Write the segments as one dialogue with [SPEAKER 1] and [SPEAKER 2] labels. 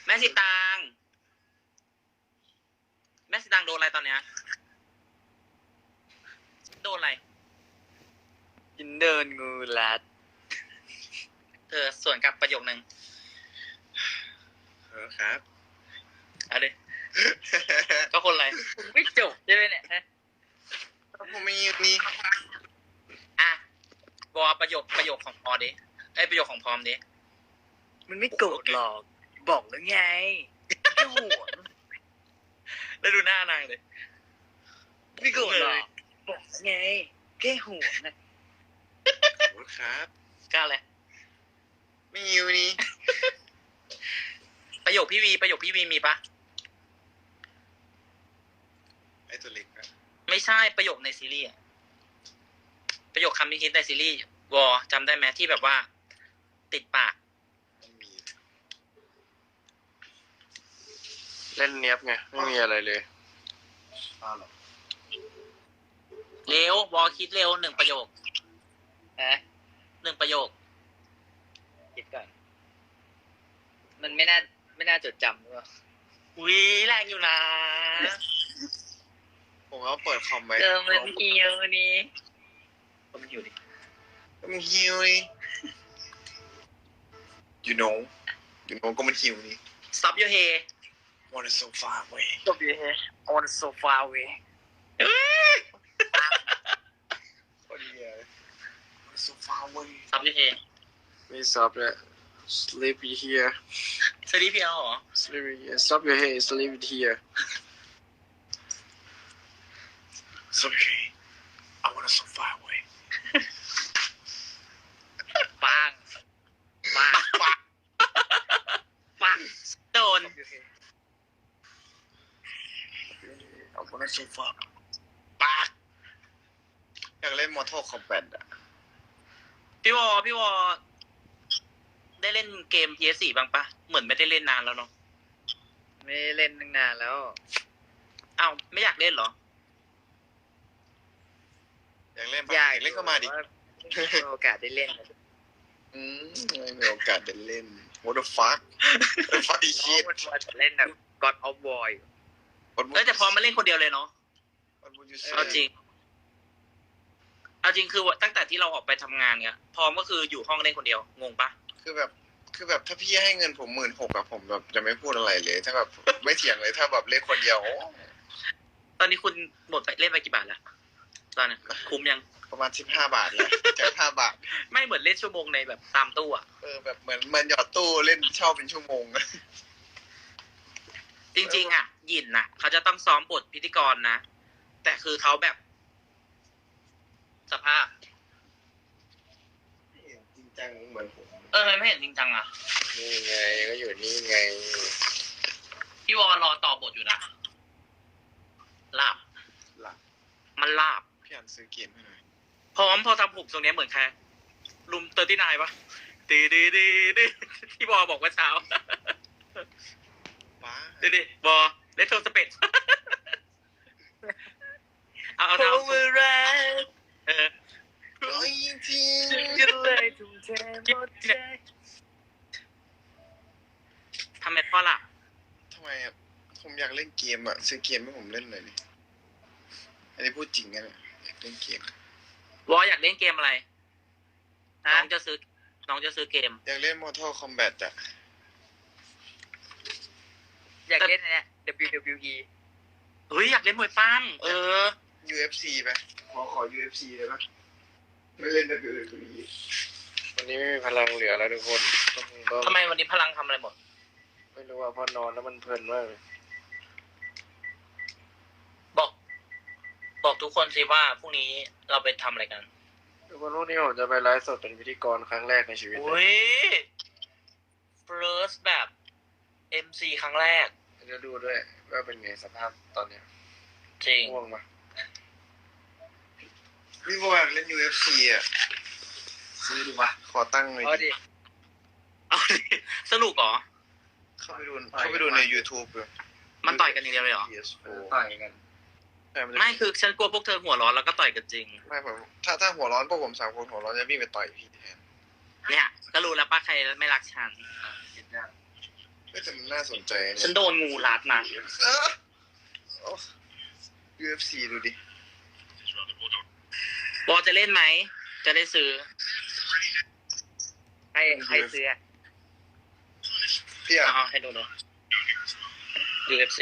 [SPEAKER 1] แม่สิตางแม่สิตางโดนอะไรตอนเนี้ยโดนอะไร
[SPEAKER 2] ยินเดินงูรัด
[SPEAKER 1] เธอส่วนกับประโยคนึง
[SPEAKER 3] ครับ
[SPEAKER 1] เอาดิ ก็คนอะไรไม่จบใช่ไหมเนี่ยฮะ
[SPEAKER 3] ผมไม่ยืนนี่
[SPEAKER 1] อ่ะวอประโยคของพอดิประโยคของพร้อมดิ
[SPEAKER 2] มันไม่โกรธหรอกบอกแล้วไงแค่ห่วง
[SPEAKER 1] แล้วดูหน้านางเลย
[SPEAKER 2] ไม่โกรธหรอกบอกแล้วไงแค่ห่วงนะ
[SPEAKER 3] ครับ
[SPEAKER 1] กล้าเลย
[SPEAKER 3] ไม่ยืนนี่
[SPEAKER 1] ประโยคพี่วีมีปะ
[SPEAKER 3] ไอ้ตัวเล็กอะ
[SPEAKER 1] ไม่ใช่ประโยคในซีรีส์ประโยคคำที่คิดในซีรีส์วอจำได้ไหมที่แบบว่า ติดปาก
[SPEAKER 3] ไม่มี
[SPEAKER 4] เล่นเนี้ยบไงไม่มีอะไรเลย
[SPEAKER 3] หรอ
[SPEAKER 1] เร็ววอคิดเร็ว1 ประโยค 1 ประโยค
[SPEAKER 2] คิดก่อนมันไม่น่าจดจำหรือเปล่า
[SPEAKER 1] วิแรงอยู่นะ
[SPEAKER 3] ผมก็เปิดคอมไว้
[SPEAKER 2] มันเหี่ยวนี่
[SPEAKER 1] ผมอยู่ดิ
[SPEAKER 3] มันหิวนี่ you know ก็มันหิวนี่
[SPEAKER 1] stop your hair
[SPEAKER 3] wanna so far away
[SPEAKER 2] จบอยู่เฮ้ on the sofa way
[SPEAKER 3] คนเดียว wanna so far away
[SPEAKER 1] stop your hair
[SPEAKER 4] ไม่ซับเลย sleepy here
[SPEAKER 1] สวัสดีพี่เอาเหรอ
[SPEAKER 4] sleepy here stop your head sleep it here
[SPEAKER 3] it's okay I wanna so far away
[SPEAKER 2] ปัง
[SPEAKER 1] ปังโดน
[SPEAKER 3] I wanna so far
[SPEAKER 1] ปาก
[SPEAKER 3] อยากเล่น Mortal Kombat อะ
[SPEAKER 1] พี่วอได้เล่นเกม PS4 บ้างปะเหมือนไม่ได้เล่นนานแล้วเนาะ
[SPEAKER 2] ไม่เล่นตั้งนานแล้ว
[SPEAKER 1] อ้าวไม่อยากเล่นเหรอ
[SPEAKER 3] อยากเล่นปะ
[SPEAKER 2] อยาก
[SPEAKER 3] เล่นก็มาดิ
[SPEAKER 2] ไม่มีโอกาสได้เล่น
[SPEAKER 3] ไม่มีโอกาสได้เล่น what the fuck what the fuck is
[SPEAKER 2] น้อง
[SPEAKER 3] shit
[SPEAKER 2] มันมาเล่นแบบ God of War อยู่
[SPEAKER 1] แต่พอมาเล่นคนเดียวเลยเนาะ
[SPEAKER 3] what would you
[SPEAKER 1] เอาจริ
[SPEAKER 3] say
[SPEAKER 1] งคือตั้งแต่ที่เราออกไปทำงานเนี่ยพร้อมก็คืออยู่ห้องเล่นคนเดียวงงปะ
[SPEAKER 3] คือแบบถ้าพี่ให้เงินผม16,000อะผมแบบจะไม่พูดอะไรเลย ถ้าแบบไม่เถียงเลยถ้าแบบเล่นคนเดียวโอ้
[SPEAKER 1] ตอนนี้คุณหมดไปเล่นไปกี่บาทแล้วตอนนี้คุ้มยัง
[SPEAKER 3] ประมาณ15 บาทเลยจาก5 บาท
[SPEAKER 1] ไม่เหมือนเล่นชั่วโมงในแบบตามตู้อะ
[SPEAKER 3] แบบเหมือนหยอดตู้เล่นเช่าเป็นชั่วโมง
[SPEAKER 1] จริงๆอะหยินน่ะเขาจะต้องซ้อมบทพิธีกรนะแต่คือเขาแบบ สภาพ
[SPEAKER 3] จริงจังเหมือนผม
[SPEAKER 1] ทำไมไม่เห็นจริงจังอะ
[SPEAKER 4] นี่ไงก็อยู่นี่ไง
[SPEAKER 1] พี่วอรอต่อบทอยู่นะลาบ
[SPEAKER 3] หลัก
[SPEAKER 1] มันลาบ
[SPEAKER 3] พี่อันซื้อเกมให้หน่อย
[SPEAKER 1] พร้อมพอทำผมตรงนี้เหมือนใครลุม39ปะตีที่บอบอกว่าเช้า
[SPEAKER 3] ป้า
[SPEAKER 1] ดิบอเลตโทสเปดเอา
[SPEAKER 2] รัก
[SPEAKER 3] ร้อยที
[SPEAKER 2] กันเลยทุ่มเทหมดใจ
[SPEAKER 1] ทำไมพ่อล่ะ
[SPEAKER 3] ทำไมอะผมอยากเล่นเกมอะซื้อเกมให้ผมเล่นหน่อยดิอันนี้พูดจริงนะเนี่ยอยากเล่นเกม
[SPEAKER 1] วออยากเล่นเกมอะไรน้องจะซื้อเกม
[SPEAKER 3] อยากเล่น Mortal Kombat อะ
[SPEAKER 2] อยากเล่นอันเนี่ย WWE
[SPEAKER 1] เฮ้ยอยากเล่นมวยปั้ม
[SPEAKER 3] UFC ไปขอ UFC เลยปะไม่เล่น WWE
[SPEAKER 4] วันนี้ไม่มีพลังเหลือแล้วทุกคนต้อง
[SPEAKER 1] ทำไมวันนี้พลังทำอะไรหมด
[SPEAKER 4] ไม่รู้ว่าพอนอนแล้วมันเพลินมากเลย
[SPEAKER 1] บอกทุกคนสิว่าพรุ่งนี้เราไปทำอะไรกัน
[SPEAKER 4] ทุกคนพรุ่งนี้ผมจะไปไลฟ์สดเป็นพิธีกรครั้งแรกในชีวิต
[SPEAKER 1] อุ้ย first แบบ MC ครั้งแรก
[SPEAKER 4] จะดูด้วยว่าเป็นไงสภาพตอนเนี้ย
[SPEAKER 1] จริง
[SPEAKER 4] ง่วงปะ
[SPEAKER 3] พี่บอกอยากเล่น UFC อะซื้อดูวะขอตั้งหน่อย
[SPEAKER 2] เอา
[SPEAKER 3] ดิ
[SPEAKER 2] ดิ
[SPEAKER 1] เอาดิสนุกเหรอ
[SPEAKER 3] เข้าไปดูใน YouTube เลย
[SPEAKER 1] มันต่อยกันอย่างเดียวเลยเหรอ
[SPEAKER 3] PS4
[SPEAKER 4] ต่อยกัน
[SPEAKER 3] ใช่นจะ
[SPEAKER 1] ไม่คือฉันกลัวพวกเธอหัวร้อนแล้วก็ต่อยกันจริง
[SPEAKER 3] ไม่ผมถ้าหัวร้อนพวกผม3 คนหัวร้อนจะวิ่งไปต่อยพี่แทน
[SPEAKER 1] เนี่ย ก็รู้แล้วป้าใครไม่รักฉัน
[SPEAKER 3] ไปแต่มันน่าสนใจนะ
[SPEAKER 1] ฉันโดนงูรัดนะ
[SPEAKER 3] โอ้ UFC ดูดิ
[SPEAKER 1] วอจะเล่นไหม จะได้ซื้อ
[SPEAKER 2] ใครซื้ออะ
[SPEAKER 3] พี่อ่ะ
[SPEAKER 1] เอาให้ดูเลย UFC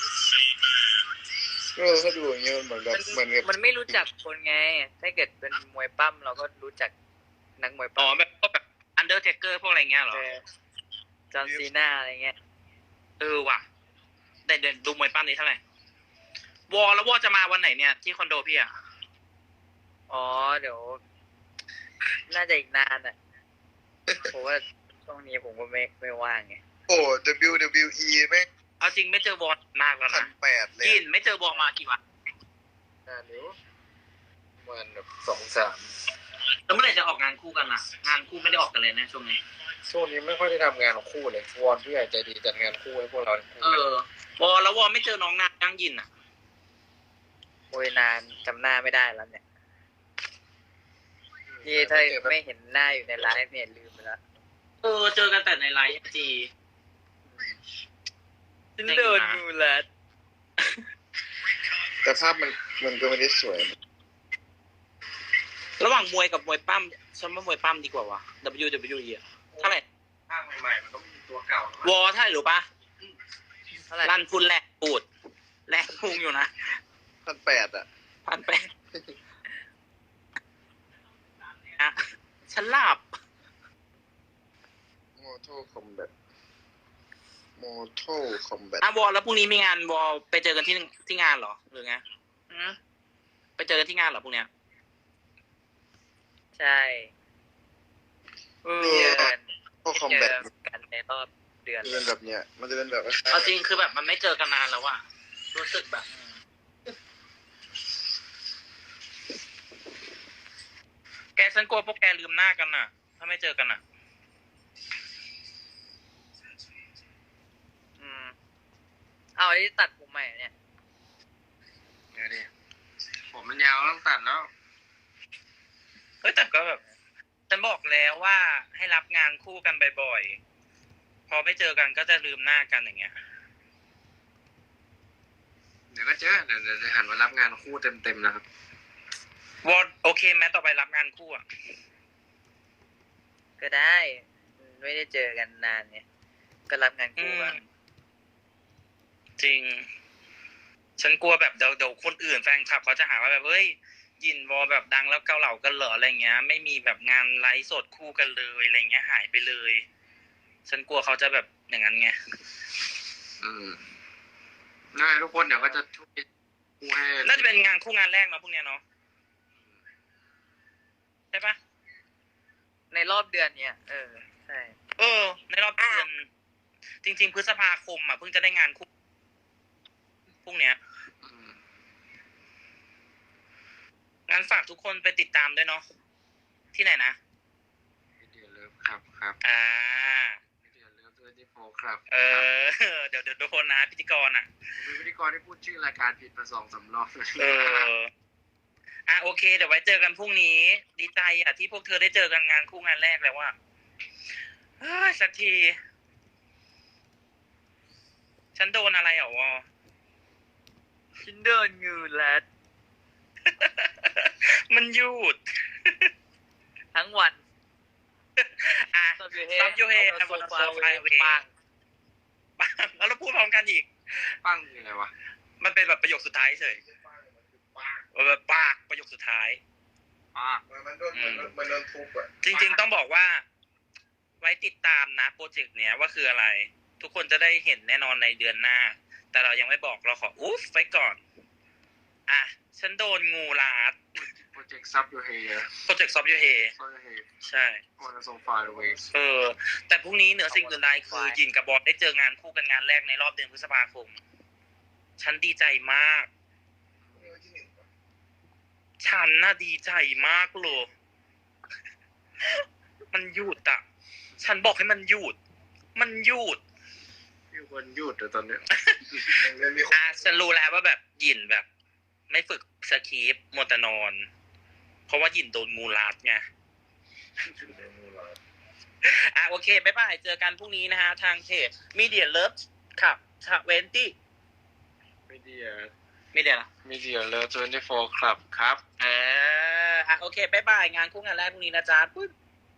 [SPEAKER 3] ถ้าดูอย่างเงี้ยมันแบบเหมือนกับ
[SPEAKER 2] มันไม่รู้จักคนไง ถ้าเกิดเป็นมวยปั้มเราก็รู้จักนักมวย
[SPEAKER 1] อ๋อ
[SPEAKER 2] ปั้ม
[SPEAKER 1] แบบพวกแบบ Undertaker พวกอะไรเงี้ยเหรอ
[SPEAKER 2] จอห์นซีน่าอะไรเงี้ย
[SPEAKER 1] ว่ะแต่เดินดูมวยปั้มนี้เท่าไหร่ วอแล้ววอจะมาวันไหนเนี่ย ที่คอนโดพี่อ่ะ
[SPEAKER 2] อ๋อเดี๋ยว น่าจะอีกนานอ่ะผมว่าช่วงนี้ผมก็ไม่ว่างไง
[SPEAKER 3] โอ้ WWE แม่ง
[SPEAKER 1] เอาจริงไม่เจอวอมากแล้วนะ
[SPEAKER 3] 1,800เลย
[SPEAKER 1] ยินไม่เจอวอมากี่วัน
[SPEAKER 4] นานอยู่ประมันแบบ2-3
[SPEAKER 1] แล้วเมื่อไหร่จะออกงานคู่กันล่ะ งานคู่ไม่ได้ออกกันเลยนะช่วงนี้
[SPEAKER 4] ช่วงนี้ไม่ค่อยได้ทำงานของคู่เลยวอนผู้ใหญ่ใจดีจัดงานคู่ให้พวกเรา
[SPEAKER 1] วอแล้ววอไม่เจอน้องนางยังยินอ่ะ
[SPEAKER 2] โอ้ยนานจำหน้าไม่ได้แล้วเนี่ยนี่ถ้าไม่เห็นหน้าอยู่ในไลฟ์เนี่ยลืมไปแล้ว
[SPEAKER 1] เจอกันแต่ในไลฟ์จี
[SPEAKER 2] ฉันโดนงูรัด
[SPEAKER 3] แต่ภาพมันก็ไม่ได้สวยนะ
[SPEAKER 1] ระหว่างมวยกับมวยปั้มฉันว่ามวยปั้มดีกว่าวะ WWE อะเท่าไหร่
[SPEAKER 4] ภาคใหม่ๆมันก็มีตัวเก่าว
[SPEAKER 1] อเท่าไหร่รู้ปะ
[SPEAKER 2] เท่าไหร่
[SPEAKER 1] รันทุนแหลกปูดแหลกพุงอยู่นะ
[SPEAKER 3] 1,800อ่ะ
[SPEAKER 1] 1,800อะฉันหลับ
[SPEAKER 3] Mortal Kombat Mortal Kombat
[SPEAKER 1] วอแล้วพรุ่งนี้มีงานวอไปเจอกันที่งานเหรอหรือไงไปเจอกันที่งานเหรอพรุ่งเนี้ย
[SPEAKER 2] ใช่
[SPEAKER 1] เอ
[SPEAKER 2] เจ
[SPEAKER 1] อ
[SPEAKER 2] อกัน
[SPEAKER 3] Mortal
[SPEAKER 2] เจ
[SPEAKER 3] Kombat
[SPEAKER 2] อกันในรอบเดือน
[SPEAKER 3] มันจะเป็นแบบเนี้ย มันจะเป็นแบบ
[SPEAKER 1] เอาจริงคือแบบมันไม่เจอกันนานแล้วอะรู้สึกแบบ แกฉันกลัวพวกแกลืมหน้ากันน่ะ ถ้าไม่เจอกันน่ะ
[SPEAKER 2] เอาไอ้ที่ตัดผมใหม่เนี่ย
[SPEAKER 4] เดี๋ยวดิผมมันยาวต้องตัดแล้ว
[SPEAKER 1] เฮ้ยแต่ก็แบบฉันบอกแล้วว่าให้รับงานคู่กันบ่อยๆ พอไม่เจอกันก็จะลืมหน้ากันอย่างเงี้ย
[SPEAKER 4] เดี๋ยวก็เจอเดี๋ยวจะหันมารับงานคู่เต็มๆนะครับ
[SPEAKER 1] วอดโอเคไหมต่อไปรับงานคู่อ่ะ
[SPEAKER 2] ก็ได้ไม่ได้เจอกันนานเนี่ยก็รับงานคู่บ้าง
[SPEAKER 1] จริง ฉันกลัวแบบเดี๋ยวคนอื่นแฟนคลับเขาจะหาว่าแบบเฮ้ยยินวอแบบดังแล้วเกาเหลากันเหรออะไรเงี้ย ไม่มีแบบงานไลฟ์สดคู่กันเลยอะไรเงี้ยหายไปเลย ฉันกลัวเขาจะแบบอย่างนั้นไง
[SPEAKER 4] ง่ายทุกคนเดี๋ยวก็จะช่วยคู่ให้
[SPEAKER 1] น่าจะเป็นงานคู่งานแรกเนาะพวกเนี้ยเนาะใช่ปะ
[SPEAKER 2] ในรอบเดือนเนี่ยใช่
[SPEAKER 1] ในรอบเดือนจริงๆพฤษภาคมอ่ะเพิ่งจะได้งานคู่พวกเนี้ย งั้นฝากทุกคนไปติดตามด้วยเนาะที่ไหนนะ
[SPEAKER 4] เดี๋ยวเลิฟครับ
[SPEAKER 1] อ่า
[SPEAKER 4] เดี๋ยวเลิฟ24ครับ
[SPEAKER 1] เดี๋ยวโดนนะพิธีกรอ่ะ
[SPEAKER 4] ผมเป็นพิธีกรที่พูดชื่อรายการผิดมา2-3 รอบ
[SPEAKER 1] โอเคเดี๋ยวไว้เจอกันพรุ่งนี้ ดีใจอ่ะที่พวกเธอได้เจอกันงานคู่งานแรกแล้วว่าสักที ฉันโดนอะไรอ่ะวอ
[SPEAKER 2] ฉันโดนงูรัด
[SPEAKER 1] มันหยุด
[SPEAKER 2] ทั้งวัน
[SPEAKER 1] ซับยูเฮ
[SPEAKER 2] โซฟาเว
[SPEAKER 1] ปังแล้วเราพูดพร้อมกันอีก
[SPEAKER 4] ปั้งคืออะไรวะ
[SPEAKER 1] มันเป็นแบบประโยคสุดท้ายเฉยแบบปากประโยคสุดท้าย
[SPEAKER 3] มันโดนทุบอ่ะ
[SPEAKER 1] จริงๆต้องบอกว่า ไว้ติดตามนะโปรเจกต์เนี้ยว่าคืออะไร ทุกคนจะได้เห็นแน่นอนในเดือนหน้า แต่เรายังไม่บอกเราขออุ๊ฟไว้ก่อน ฉันโดนงูลาด
[SPEAKER 4] โปรเจกต์ซับยูเฮ
[SPEAKER 1] โปรเจกต์ซอฟยูเฮ
[SPEAKER 4] ซับยูเฮ
[SPEAKER 1] ใช่
[SPEAKER 4] วันโซฟาเวส
[SPEAKER 1] แต่พรุ่งนี้เหนือสิ่งอื่นใดคือยินกับบอสได้เจองานคู่กันงานแรกในรอบเดือนพฤษภาคม ฉันดีใจมาก ฉันน่ะดีใจมากเลย มันหยุดอ่ะ ฉันบอกให้มันหยุด มันหยุด
[SPEAKER 4] มีคนหยุดแต่ตอนเนี้ย
[SPEAKER 1] ฉันรู้แล้วว่าแบบหยินแบบ ไม่ฝึกสคริปต์มัวแต่นอน เพราะว่าหยินโดนงูรัดไงโอเคบ๊ายบายเจอกันพรุ่งนี้นะฮะทางเพจ Media Love ครับ20
[SPEAKER 4] มีเดีย
[SPEAKER 1] Media ละ
[SPEAKER 4] มีเดียเลิฟ24 ครับครับ
[SPEAKER 1] โอเคบ๊ายบายงานคู่งานแรกพรุ่งนี้นะจ๊ะปุ๊บ